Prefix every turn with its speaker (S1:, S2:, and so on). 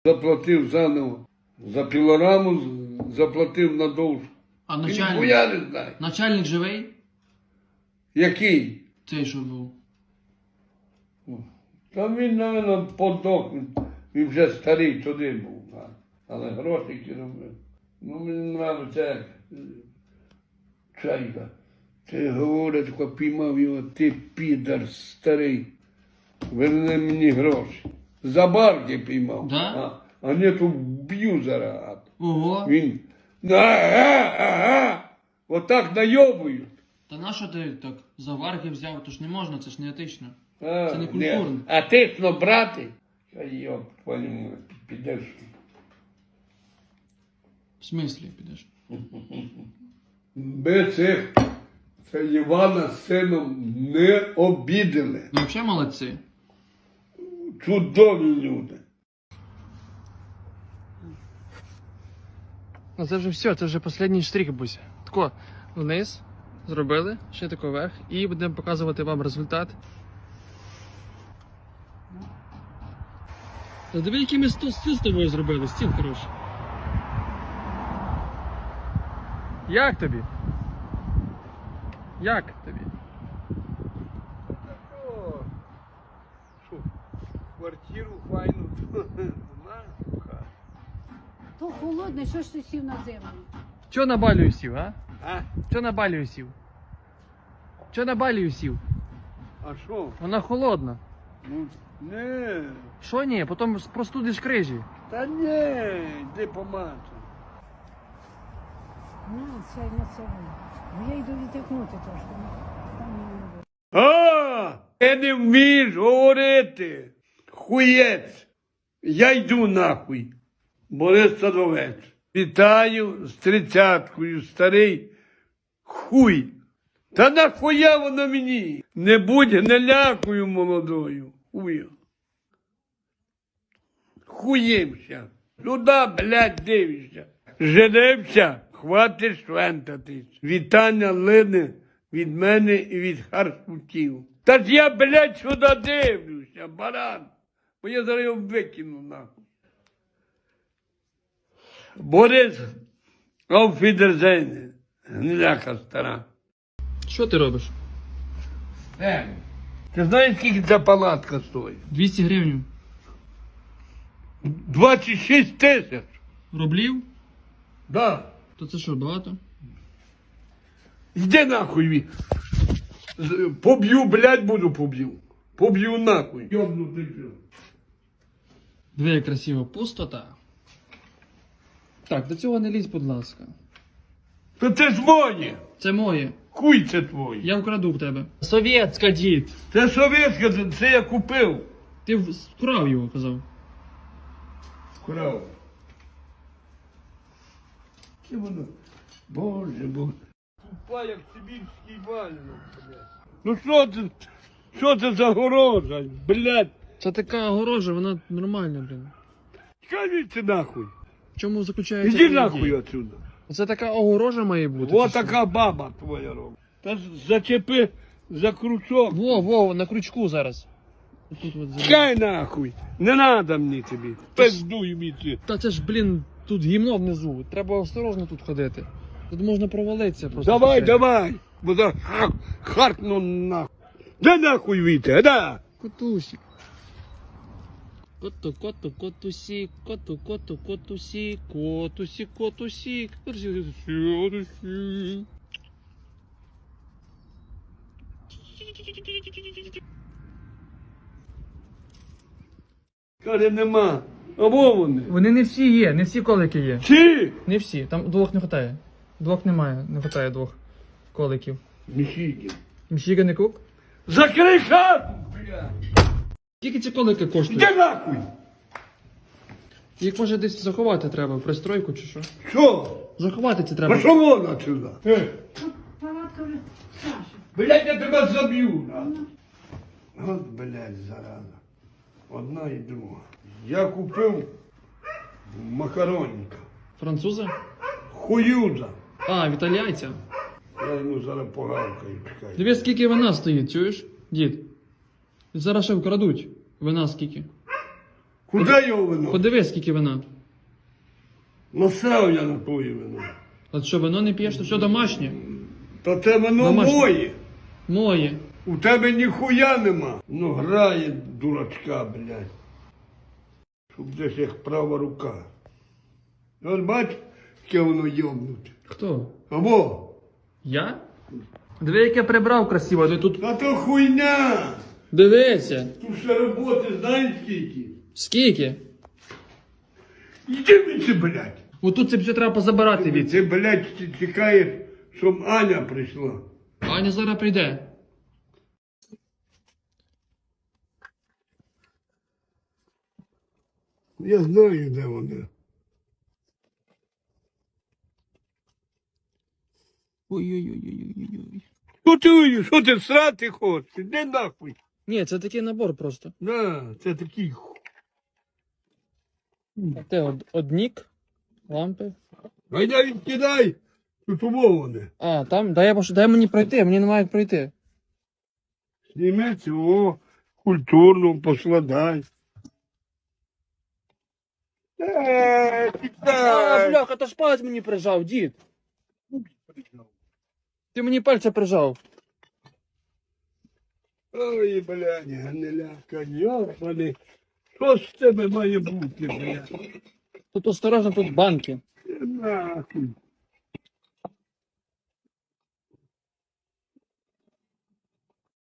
S1: Заплатив заново. За пілораму заплатив на довжку.
S2: А
S1: Ніхуя не знаю.
S2: начальник живий?
S1: Який?
S2: Цей, що був.
S1: Та він, мабуть, подох. Він вже старий туди був. Але грошики робив. Ну, мені нравиться, як Чайка. Ти говорить, коли піймав його, ти підар старий. Верни мені гроші. За барки піймав.
S2: Да?
S1: А не то вб'ю зараз.
S2: Ого.
S1: Він. Ага. Отак найобують.
S2: Та нащо ти так за варги взяв? То ж не можна, це ж не етично.
S1: А,
S2: Це не культурно.
S1: А ти ж брати? Йоп, твою, підеш.
S2: В смислі підеш?
S1: Ми цих, це Івана з сином не обідали.
S2: Ну взагалі молодці.
S1: Чудові люди.
S2: Ну це вже все, це вже останній штрих, Буся. Тако, вниз зробили, ще тако вверх, і будемо показувати вам результат. Та диви, який ми стіл з тобою зробили, стіл хороший. Як тобі? Як тобі?
S1: Що, квартиру файну знаєш?
S3: То холодне, що ж ти сів на землю?
S2: Чо на балію сів, а?
S1: А?
S2: Чо на балію сів? Чо на балію сів?
S1: А що?
S2: Вона холодна.
S1: Ну, не.
S2: Що ні? Потім простудиш крижі.
S1: Та ні, йди помацай.
S3: Ну, це не це. Бо я йду відтягнути трошки. Там не буде.
S1: А, ти не вмієш говорити. Хуєць. Я йду нахуй. Борис Садовець. Вітаю з 30-кою, старий хуй. Та нахуя воно мені? Не будь гнилякою молодою. Хую. Хуємся. Сюди, блядь, дивишся. Женився, хватить швентатись. Вітання лине від мене і від харсутів. Та ж я, блядь, сюди дивлюся, баран. Бо я зараз його викину, нахуй. Борис, ауфідерзейне, гниляка стара.
S2: Що ти робиш?
S1: Ти знаєш, скільки ця палатка стоїть?
S2: 200 гривень.
S1: 26 тисяч.
S2: Рублів?
S1: Да.
S2: То це що, багато?
S1: Йди нахуй. Поб'ю, блядь, поб'ю. Поб'ю нахуй. Йобнутий пів.
S2: Диви, як красиво. Пустота. Так, до цього не лізь, будь ласка.
S1: Та це ж моє.
S2: Це моє.
S1: Хуй це твоє.
S2: Я вкраду в тебе. Совєтська, дід.
S1: Це совєтське, це я купив.
S2: Ти вкрав його, казав.
S1: Крав. Це воно. Боже. Тупа, як сибірський валянок, блядь. Ну що це за горожа, блядь?
S2: Це така огорожа, вона нормальна, блін.
S1: Скажіть нахуй.
S2: В чому заключається?
S1: Іди
S2: ідея?
S1: нахуй отсюда.
S2: Це така огорожа має бути.
S1: О,
S2: чи що?
S1: така баба твоя робить. Та зачепи за крючок.
S2: Во, на крючку зараз. Тут от зараз.
S1: Чекай нахуй. Не надо мені тобі. Пиздуй мені.
S2: Та це ж, блін, тут гімно внизу. Треба осторожно тут ходити. Тут можна провалитися просто.
S1: Давай. Бо за харкну нахуй. Да нахуй віте, да.
S2: Котусик. Котусик, котусик, котусик.
S1: Каже, нема. Або вони.
S2: Вони не всі є, не всі колики є.
S1: Чи?
S2: Не всі, там двох не вистачає. Двох немає, не вистачає двох коликів.
S1: Міхіки.
S2: Міщіга не кук?
S1: Закрий хату, блядь.
S2: Скільки ці колики коштують?
S1: Де нахуй?
S2: Їх може десь заховати треба, в пристройку чи що?
S1: Що?
S2: Заховати це треба.
S1: Пошов вон отсюда.
S3: Палатка вже Саша.
S1: Блядь, я тебе заб'ю. От, блядь, зараза. Одна і друга. Я купив макаронника.
S2: Француза?
S1: Хуюза.
S2: А, в італійця.
S1: Я йому зараз погавкаю, чекай.
S2: Дивись, скільки вина стоїть, чуєш, дід? Зараз ще вкрадуть. Вина скільки?
S1: Куди його вино?
S2: Подивись, скільки вина.
S1: Насрав я на твоє вино.
S2: От що, вино не п'єш, то все домашнє.
S1: Та це вино
S2: Домашнє.
S1: моє.
S2: Моє.
S1: У тебе ніхуя нема. Ну грає дурачка, блядь. Щоб десь як права рука. От бач, яке воно йобнуте.
S2: Хто?
S1: Або,
S2: Я? Диви, як я прибрав красиво, ти тут.
S1: та то хуйня.
S2: Дивися.
S1: Тут ще роботи знаєш скільки?
S2: Скільки?
S1: Іди від це, блядь.
S2: Отут це все треба позабирати від.
S1: Ти, блядь, чекаєш, щоб Аня прийшла.
S2: Аня зараз прийде.
S1: Я знаю, де вона.
S2: Ой-ой-ой-ой-ой-ой.
S1: Що ти срати хочеш? Іди нахуй.
S2: Ні, це такий набор просто.
S1: На, це такий.
S2: Те однік, лампи.
S1: Гайда відкидай. Тут умоване.
S2: А, там, дай мені пройти, мені немає як пройти.
S1: Зніми цього культурно поскладай.
S2: А,
S1: Тікай.
S2: бляха, то ж палець мені прижав, дід. Ти мені пальця прижав.
S1: Ой, блядь, гниляка, йобаний. Що з тебе має бути, блядь?
S2: Тут осторожно, тут банки.
S1: Нахуй.